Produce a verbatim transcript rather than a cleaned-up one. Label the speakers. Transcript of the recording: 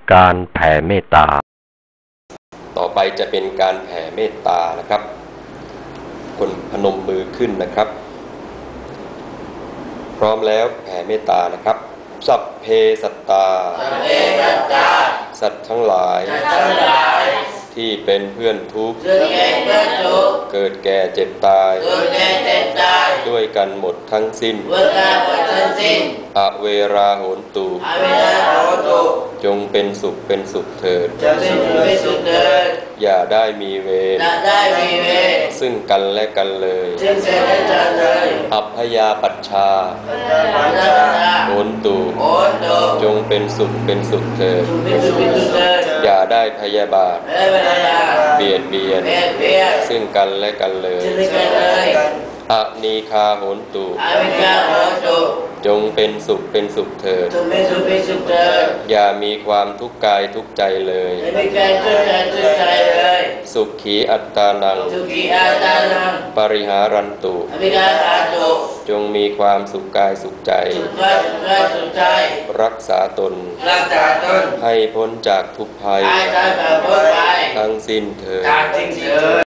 Speaker 1: การแผ่เมตตา
Speaker 2: ต่อไปจะเป็นการแผ่เมตตานะครับคนพนมมือขึ้นนะครับพร้อมแล้วแผ่เมตตานะครับสัพเพสัตตาสัตว์ทั้งหลายที่เป็นเพื่อนทุกข์เกิดแก่เจ็บตายด้วยกันหมดทั้งสิ้นอเวราโหนตุจงเป็นสุขเป็นสุขเถิดอย่าได้มีเวรซึ่งกันและกันเลยอัพยาปัชชาโหนตุจงเป็นสุขเป็นสุขเถิดอย่าได้พยาบาทเบียดเบียนซึ่งกันและกันเลยอนีคาโหนตุจงเป็นสุขเป็นสุขเถิดอย่ามีความทุกข์กายทุกข์ใจเลยสุขีอัตตานังปริหารันตุจงมีความสุขกายสุขใจรักษาตนให้พ้นจากทุกภัยทั้งสิ้นเถิด